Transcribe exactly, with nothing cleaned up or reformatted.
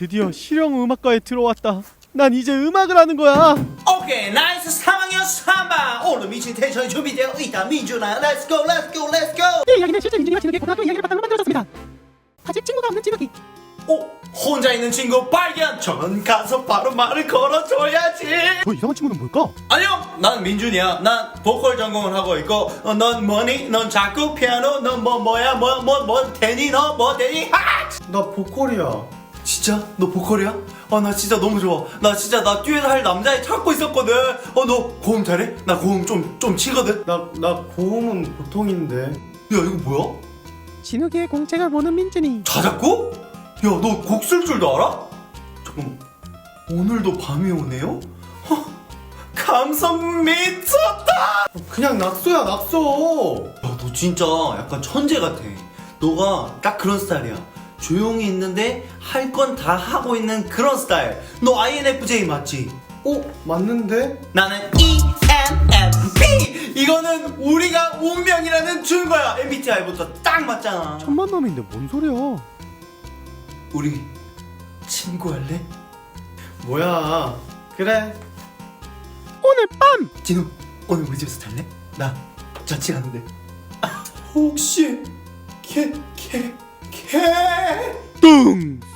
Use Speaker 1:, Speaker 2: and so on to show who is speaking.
Speaker 1: 드디어 실용 음악과에 들어왔다. 난 이제 음악을 하는 거야.
Speaker 2: 오케이 나이스 삼 학년 삼 반 오늘 미친 텐션이 준비되어 있다. 민준아 렛츠 고 렛츠 고 렛츠 고.
Speaker 3: 이 이야기는 실제 민준이가 진욱의 고등학교 이야기를 바탕으로 만들어졌습니다. 아직 친구가 없는 진욱이
Speaker 2: 오 혼자 있는 친구 발견. 저는 가서 바로 말을 걸어줘야지.
Speaker 1: 저 이상한 친구는 뭘까?
Speaker 2: 안녕 난 민준이야. 난 보컬 전공을 하고 있고 어, 넌 뭐니? 넌 작곡 피아노 넌 뭐 뭐야 뭐 뭐 뭐 되니 너 뭐 되니? 하!
Speaker 4: 나 보컬이야.
Speaker 2: 진짜? 너 보컬이야? 아 나 진짜 너무 좋아. 나 진짜 나 듀엣 할 남자애 찾고 있었거든. 어 너 고음 잘해? 나 고음 좀 좀 치거든.
Speaker 4: 나, 나 고음은 보통인데.
Speaker 2: 야 이거 뭐야?
Speaker 3: 진욱이의 공책을 보는 민준이
Speaker 2: 자작곡? 야 너 곡 쓸 줄도 알아? 잠깐만 오늘도 밤이 오네요? 허, 감성 미쳤다.
Speaker 4: 그냥 낙서야, 낙서.
Speaker 2: 야 너 진짜 약간 천재 같아. 너가 딱 그런 스타일이야. 조용히 있는데 할 건 다 하고 있는 그런 스타일. 너 아이엔에프제이 맞지?
Speaker 4: 어? 맞는데?
Speaker 2: 나는 이엔에프피! 이거는 우리가 운명이라는 증거야. 엠비티아이부터 딱 맞잖아.
Speaker 1: 천만 놈인데 뭔 소리야?
Speaker 2: 우리 친구할래?
Speaker 4: 뭐야. 그래.
Speaker 3: 오늘 밤
Speaker 2: 진우 오늘 우리 집에서 잘래? 나 자취 하는데. 아, 혹시 개개개
Speaker 1: 뚱